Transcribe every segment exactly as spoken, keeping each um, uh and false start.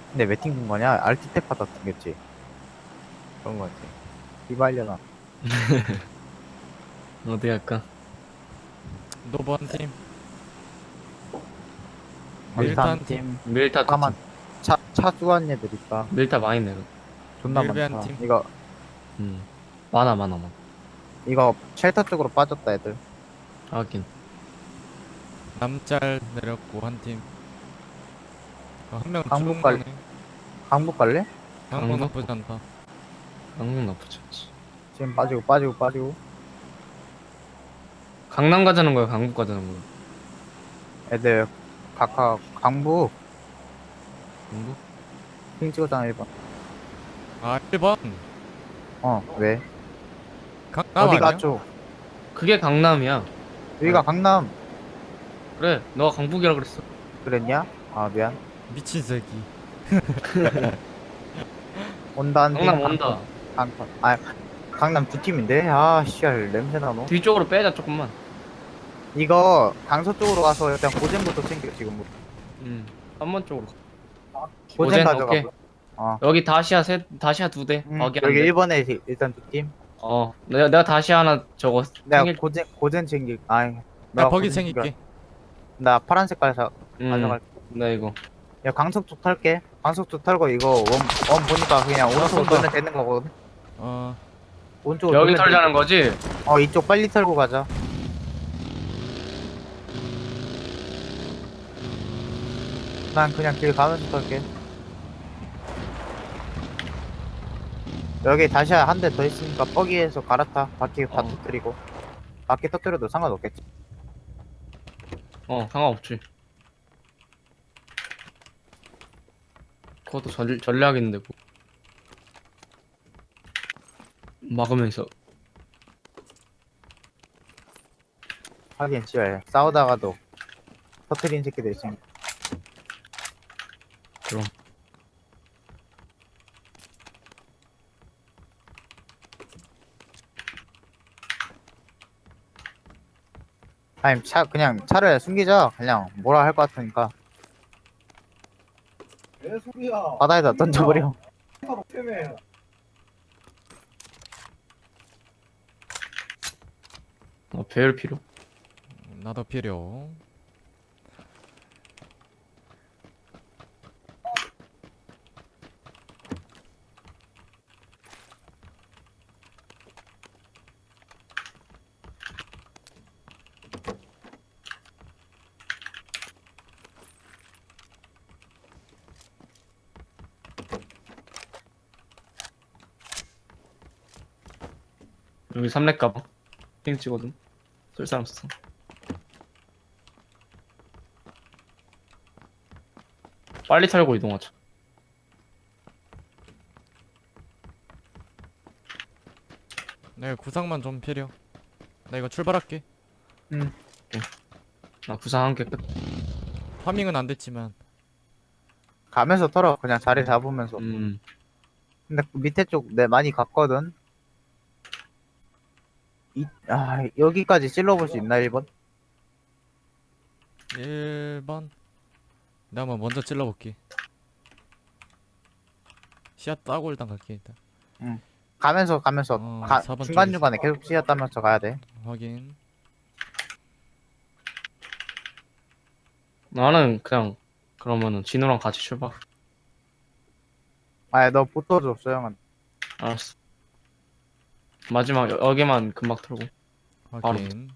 근데 왜 튕긴 거냐? 알티탭 하다 튕겼지. 그런 거 같아. 이발려나. 어디 할까? 노브 한 팀, 밀타 밀타 한 한 팀, 팀. 밀타 두 잠깐만. 팀. 차, 차 수거한 애들 있다. 밀타 많이 내려. 존나 밀배 한 많다. 팀. 이거, 음. 많아, 많아, 많아. 이거 쉘터 쪽으로 빠졌다, 애들. 하긴. 남짤 내렸고 한 팀. 어, 한 명 강북 죽은 갈, 거네. 강북 갈래? 강북 강북? 나쁘지 않다. 강릉 나쁘지 않지. 지금 빠지고, 빠지고, 빠지고. 강남 가자는 거야, 강북 가자는 거야. 애들, 각각, 강북. 강북? 핑 찍었잖아, 일 번. 아 일 번 어, 왜? 강남 어디가 아니야? 쪽? 그게 강남이야. 여기가 어. 강남. 그래, 너가 강북이라 그랬어. 그랬냐? 아, 미안. 미친 새끼. 온다, 한 팀. 강남 온다. 강남. 아, 강남 두 팀인데? 아, 씨알, 냄새나, 너. 뒤쪽으로 빼자, 조금만. 이거, 강서 쪽으로 가서 일단 고젠부터 챙겨, 지금. 음. 한 번 쪽으로. 고젠 고젠, 가져가. 오케이. 어. 여기 다시아 세, 다시아 두 대. 음, 거기 한 여기 대. 일 번에 일단 두 팀. 어, 내가, 내가 다시아 하나 저거 내가 챙길. 고젠, 고젠 챙길, 아이. 나 내가 버기 고젠 챙길게. 챙겨. 나 파란 색깔 사, 음, 가져갈. 나 이거. 야, 강석 쪽 탈게. 강석 쪽 털고 이거 원, 원 보니까 그냥 오른쪽으로 쏜다. 돌면 되는 거거든. 어 오른쪽으로 여기 돌면 털자는 돼. 거지? 어, 이쪽 빨리 털고 가자. 난 그냥 길 가면서 털게. 여기 다시 한 대 더 있으니까 뻐기에서 갈아타. 바퀴 다 어. 터뜨리고. 바퀴 터뜨려도 상관없겠지. 어, 상관없지. 그것도 전, 전략인데, 뭐. 막으면서. 하긴, 씨발. 싸우다가도 터뜨린 새끼들 있으니까. 그럼. 아니, 차, 그냥 차를 숨기자. 그냥 뭐라 할 것 같으니까. 왜 소리야? 바다에다 던져버려. 바로 패매. 어, 배열 필요. 나도 필요. 여기 삼렙 가방. 핑 찍거든. 쓸 사람 없어. 빨리 털고 이동하자. 내 구상만 좀 필요. 나 이거 출발할게. 나 구상 한 개 끝. 파밍은 안 됐지만 가면서 털어. 그냥 자리 잡으면서. 음, 근데 그 밑에 쪽 내 많이 갔거든. 이, 아, 여기까지 찔러볼 수 있나, 일 번? 일 번 내가 한번 먼저 찔러볼게. 씨앗 따고 일단 갈게 일단. 가면서, 가면서. 어, 가, 사 번 중간중간에 계속 씌었다면서 가야 돼. 확인. 나는 그냥 그러면은 진우랑 같이 출발. 아, 너 붙어줘, 소영은. 알았어. 마지막 여, 여기만 금방 털고. 확인.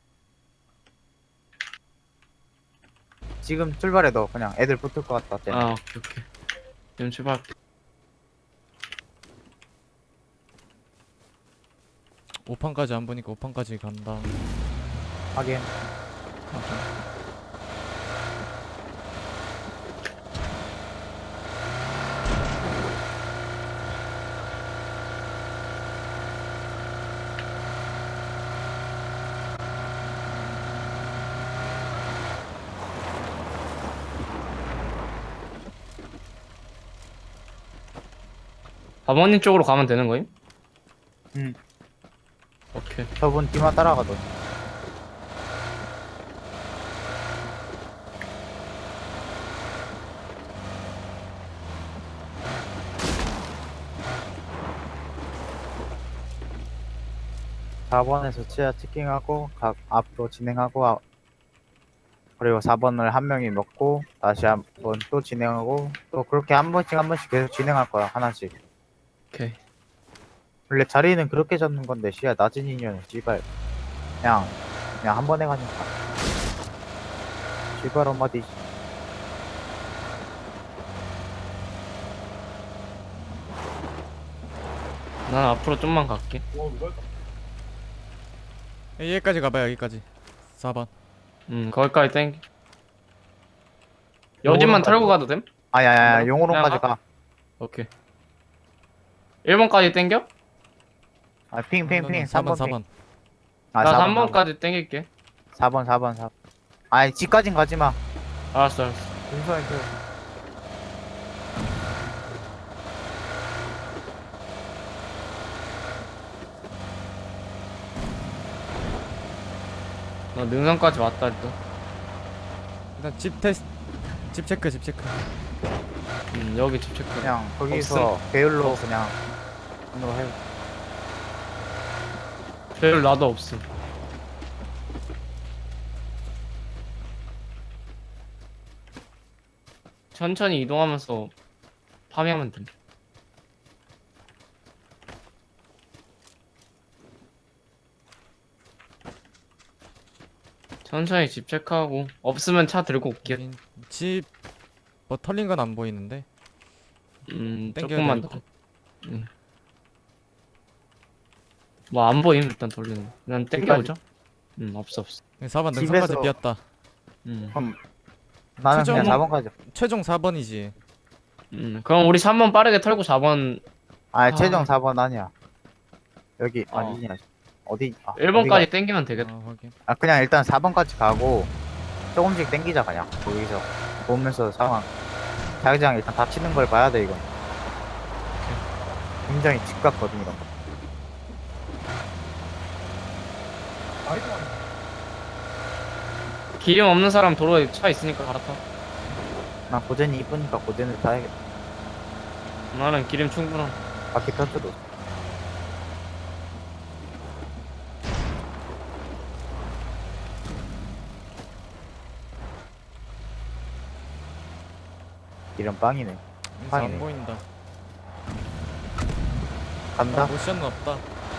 지금 출발해, 너. 그냥 애들 붙을 것 같다. 쟤네. 아, 오케이, 오케이. 지금 출발. 오 판까지 안 보니까 오 판까지 간다. 하긴. 사모님 쪽으로 가면 되는 거임? 응. 오케이. 저분 뒤만 따라가던. 사 번에서 치아 체킹하고 각 앞으로 진행하고 아- 그리고 사 번을 한 명이 먹고 다시 한 번 또 진행하고 또 그렇게 한 번씩 한 번씩 계속 진행할 거야 하나씩. 오케이. 원래 자리는 그렇게 잡는 건데 시야 낮은 인연은 씨발 그냥 그냥 한 번에 가니까 씨발 엄마디. 난 앞으로 좀만 갈게. 와 누가 할까? 여기까지 가봐요 여기까지 사 번. 음, 거기까지 땡겨. 여진만 털고 가도 됨? 아야야야 그냥 용으로까지 가? 가. 오케이. 일 번까지 땡겨? 아 핑핑핑 사 번 삼 번 사 번. 아 나 사 번 삼 번까지 땡길게. 사 번 사 번 사 번. 아니 집까진 가지마. 알았어, 알았어. 윤서인 그 나 능선까지 왔다 일단. 일단 집 테스트 집 체크 집 체크. 음, 여기 집 체크. 그냥 거기서 배율로 그냥 으로 해. 별 나도 없음. 천천히 이동하면서 파밍하면 돼. 천천히 집 체크하고 없으면 차 들고 올게. 집뭐 털린 건 안 보이는데. 음, 땡겨야 조금만 될 더. 음. 뭐 안 보임 일단 돌리는 거. 그냥 땡겨오죠. 음, 없어 없어. 사 번 집에서- 능선까지 비었다. 음. 그럼 나는 그냥 최종- 사 번까지. 최종 사 번이지. 음, 그럼 우리 삼 번 빠르게 털고 사 번, 아 아. 최종 사 번 아니야. 여기 어. 아니냐. 어디? 아, 일 번까지 어디가? 땡기면 되겠다. 아, 확인. 아 그냥 일단 사 번까지 가고 조금씩 땡기자 그냥 거기서 보면서 상황. 자기장 일단 다치는 걸 봐야 돼 이건. 굉장히 집 같거든 이런 거. 아이도 안 기름 없는 사람 도로에 차 있으니까 갈아타. 난 고젠이 이쁘니까 고젠을 타야겠다. 나는 기름 충분함. 바퀴 터져도. 이런 빵이네. 여기서 빵이네. 안 보인다. 간다. 모션은 없다.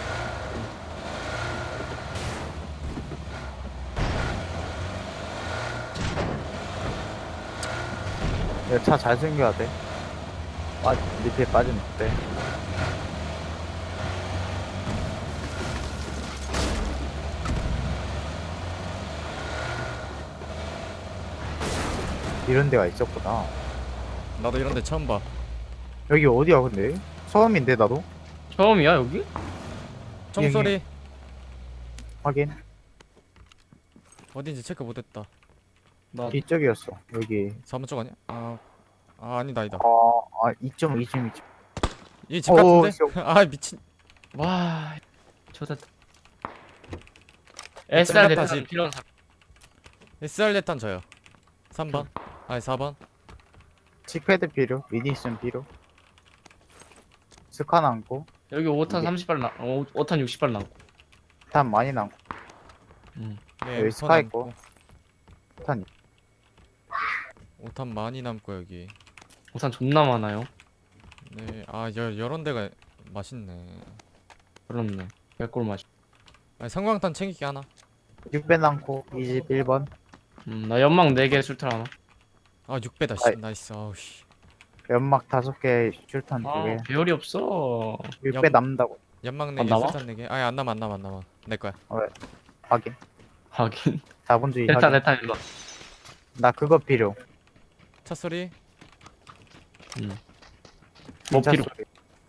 차 잘 챙겨야 돼. 빠 밑에 빠지면 돼. 이런 데가 있었구나. 나도 이런 데 처음 봐. 여기 어디야 근데? 처음인데 나도? 처음이야 여기? 총소리 확인. 어딘지 체크 못했다. 나 이쪽이었어. 여기. 사 번 쪽 아니야? 아, 아 아니다 아니다. 어, 아 이점 이점 이점. 이 집 오, 같은데? 아 미친. 와, 좋됐다. 에스알 됐다, 대탄 집. 필요한 사람. 에스알 대탄 저요. 삼 번. 아니 사 번. 칙패드 필요. 미니 있으면 필요. 스카 남고. 여기 오 탄 이게- 삼십 발 나, 오, 오 탄 육십 발 남고. 탄 많이 남고. 음. 네, 여기 엠 스카 남고. 있고. 탄. 오탄 많이 남고 여기. 오 탄 존나 많아요. 네, 아 여, 여런 데가 맛있네. 그렇네. 개꿀 맛. 아니 성광탄 챙기기 하나. 육 배 남고. 이십일 번. 음, 나 연막 네 개 술탈 하나. 아 육 배다 씨. 아이. 나이스. 아우 씨. 연막 다섯 개. 출탄 두 아, 개. 배열이 없어. 육 배 연- 남는다고. 연막 안 네 개, 남아? 술탄 네 개. 아니 안 남아 안 남아 안 남아. 내 거야. 확인. 하긴. 자본주의 대탄 확인. 대탄 일로. 와. 나 그거 필요. 차 소리. 음. 뭐 진짜 필요? 소리.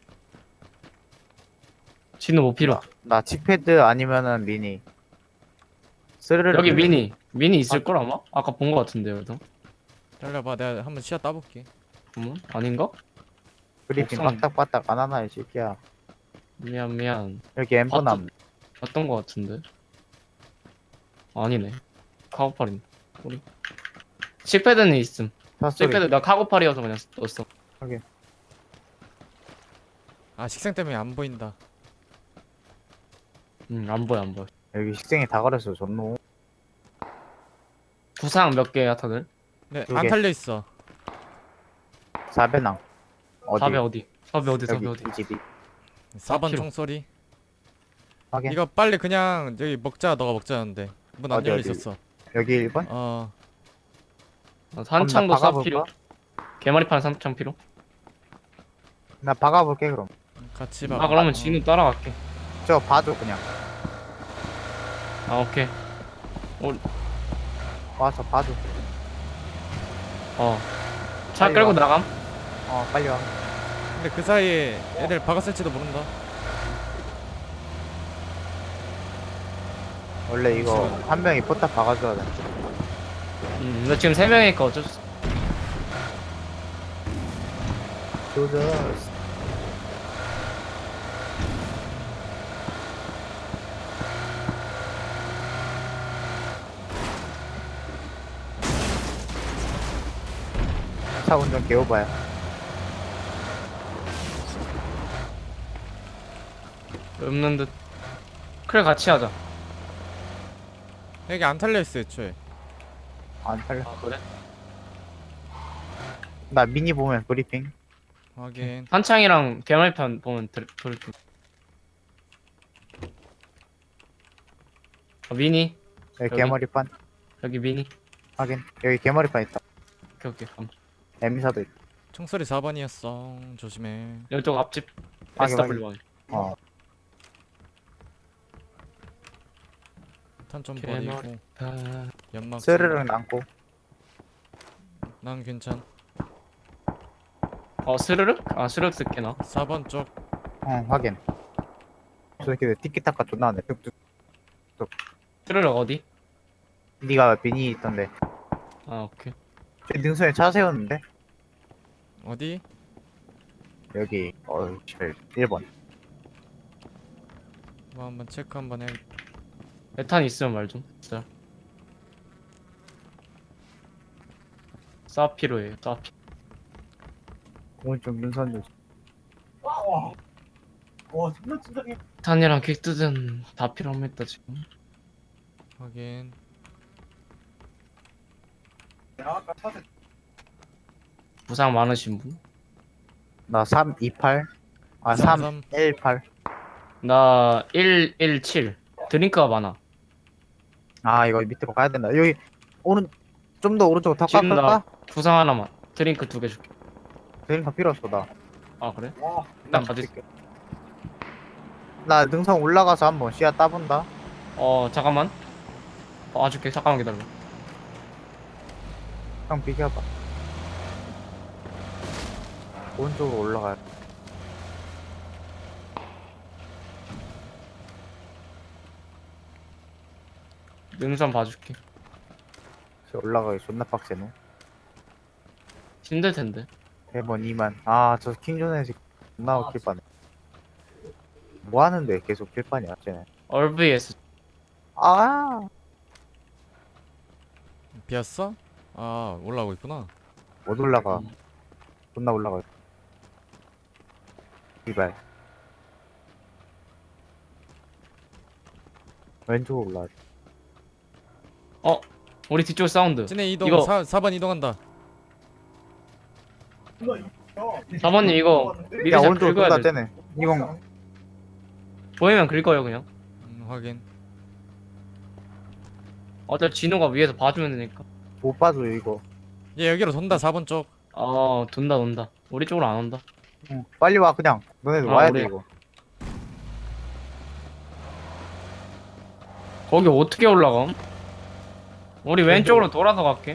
진우 뭐 필요? 나 칙패드 아니면은 미니. 스르르. 여기 미니. 미니 있을 걸 아마? 아까 본 거 같은데 여기도. 기다려봐. 내가 한번 시야 따볼게. 음? 아닌가? 브리핑 옥상. 빠딱빠딱 안 하나 이 새끼야. 미안 미안. 여기 엠버 봤던- 남. 봤던 거 같은데. 아니네. 카고팔이네. 우리. 칙패드는 있음. 차 소리. 칙패드 나 카고팔이어서 그냥 넣었어. 아 식생 때문에 안 보인다. 응안 보여 안 보여. 여기 식생이 다 가렸어 전노. 부상 몇 개야 다들? 네, 두 안 개. 탈려 있어. 사배낭. 어디? 사배 어디? 사배 어디? 사배 여기 어디? 이 집이. 사 번 킬로. 총소리. 확인. 이거 빨리 그냥 여기 먹자. 너가 먹자는데 문 안 어디, 열려 어디? 있었어. 여기 일 번? 어, 어, 산창도 그럼 나 사 박아볼까? 필요. 개머리판 산창 필요. 나 박아볼게 그럼. 같이 봐. 아 그러면 어. 진우 따라갈게. 저 봐줘 그냥. 아 오케이. 와서 봐줘. 어. 차 빨리 끌고 와. 나감. 어 빨리 와. 근데 그 사이에 애들 박았을지도 모른다. 원래 이거 한 명이 포탑 박아줘야 돼. 음, 근데 지금 세 명이니까 어쩔 수. 조졌어. 차 운전 개오바야. 없는 듯. 그래 같이 하자. 여기 안 탈려 있어 애초에. 안 탈려. 아 그래? 나 미니 보면 브리핑. 확인. 한창이랑 개머리판 보면 들 들을 듯. 어, 미니 여기 여기? 개머리판 여기 미니. 확인. 여기 개머리판 있다. 오케이 오케이. 감. 에미사도 있다. 총소리 사 번이었어. 조심해. 이쪽 앞집. 확인, 에스더블유 원. 어. 탄 좀 개머리. 버리고 아, 연막. 스르륵 남고. 난 괜찮. 어 스르륵? 아 스르륵 쓸게 나. 사 번 쪽. 어 확인. 저 새끼들 티키타카 존나 하네. 뚝뚝. 스르륵 어디? 니가 미니 있던데. 아 오케이. 저 능선에 차 세웠는데. 어디? 여기 어 일 번. 뭐 한번 체크 한번 해. 메탄 있으면 말 좀. 진짜. 사피로예요. 사피. 오른쪽 능선 좀. 와. 와, 존나 진작에. 메탄이랑 퀵드든 다 필요합니다 지금. 확인. 내가 아까 차세 부상 많으신 분? 나 삼 이팔. 아 삼, 삼 일팔. 나 일 일칠. 드링크가 많아. 아 이거 밑으로 가야 된다. 여기 오른 좀 더 오른쪽으로 더 지금 나 깎을까? 부상 하나만. 드링크 두 개 줄게. 드링크 필요 없어 나. 아 그래? 와, 나 가질게. 나 능선 올라가서 한번 씨앗 따본다. 어 잠깐만. 어 줄게. 잠깐만 기다려. 형 비켜봐. 오른쪽으로 올라가요. 능선 봐줄게. 저 올라가기 존나 빡세노. 힘들 텐데. 대번 이만. 아 저 킹존에서 존나 웃길 뻔해. 뭐 하는데 계속 킬판이야 쟤네. 얼브이에스. 아 비었어? 아 올라오고 있구나. 못 올라가. 음. 존나 올라가. 이발. 왼쪽으로 올라가. 어 우리 뒤쪽 사운드. 찐해 이동. 이거- 사, 사 번 이동한다. 존나 이거. 사번님 이거 야 미리 잘 오른쪽으로 긁어야 쏜다 돼. 쟤네. 이건 보이면 긁어요 그냥. 음, 확인. 어차피 진호가 위에서 봐주면 되니까. 못 봐줘 이거. 얘 여기로 돈다. 사 번 쪽. 어 돈다 돈다. 우리 쪽으로 안 온다. 응, 빨리 와 그냥. 너네들 아, 와야 우리- 돼 이거. 거기 어떻게 올라감? 우리 왼쪽으로 돌아서 갈게.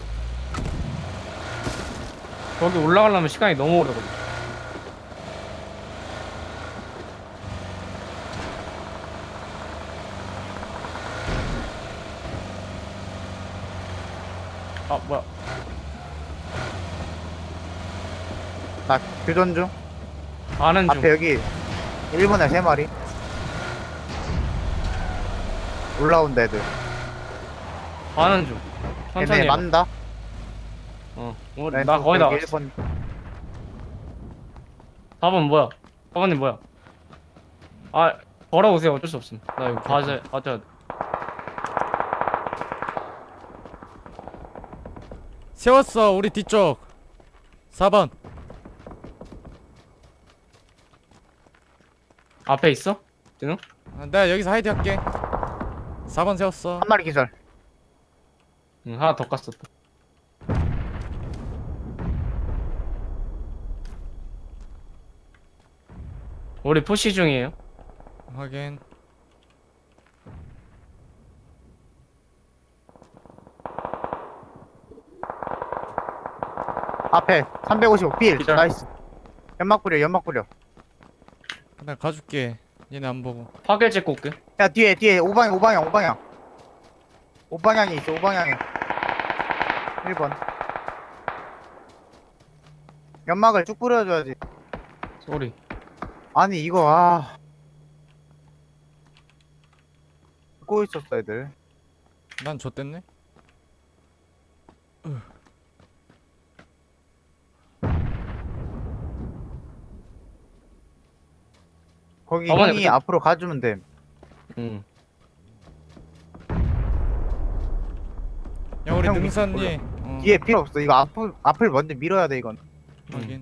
거기 올라가려면 시간이 너무 오래 걸려. 아 뭐야? 나 교전 중. 아는 중. 앞에 여기 일 번에 세 마리. 올라온다 애들. 아는 중. 천천히. 얘네 해봐. 맞는다. 어. 우리 나 거의 다. 일 번. 사 번 뭐야? 사 번님 뭐야? 아 걸어오세요. 어쩔 수 없음. 나 이거 봐야 봐야 돼. 세웠어 우리 뒤쪽 사 번. 앞에 있어? 진우? 아, 내가 여기서 하이드 할게. 사 번 세웠어. 한 마리 기절. 응, 하나 더 깠었다. 우리 푸시 중이에요. 확인. 앞에 삼백오십오 필. 기절. 나이스. 연막 뿌려 연막 뿌려. 나 가줄게. 얘네 안 보고. 파괴 찍고 올게. 야 뒤에 뒤에 오방향 오방향 오방향. 오방향에 있어 오방향에. 일 번. 연막을 쭉 뿌려줘야지. 쏘리. 아니 이거 아. 듣고 있었어 애들. 난 좆됐네. 거기 어머니, 형이 그때- 앞으로 가주면 돼. 응. 야 우리 형 능선이. 어, 뒤에 필요 없어. 이거 앞을 앞을 먼저 밀어야 돼 이건. 확인.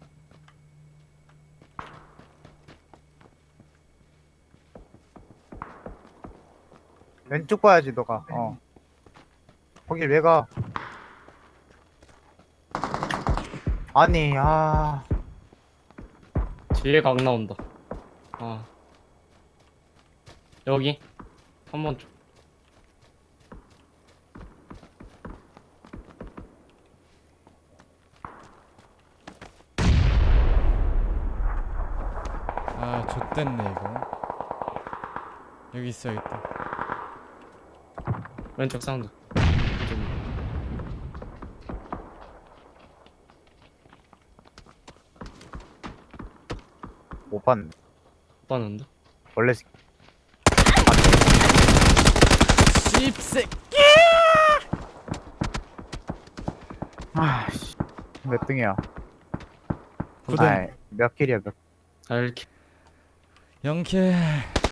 왼쪽 봐야지 너가. 어. 거길 왜 가? 아니 아. 뒤에 각 나온다. 아. 여기. 한 번 좀. 아 좆됐네 이거. 여기 있어야겠다. 왼쪽 사운드. 못 봤네. 못 봤는데? 원래 씹새. 아씨 몇 등이야? 구 등. 아이, 몇 킬이야 몇? 아, 이렇게. 영 킬.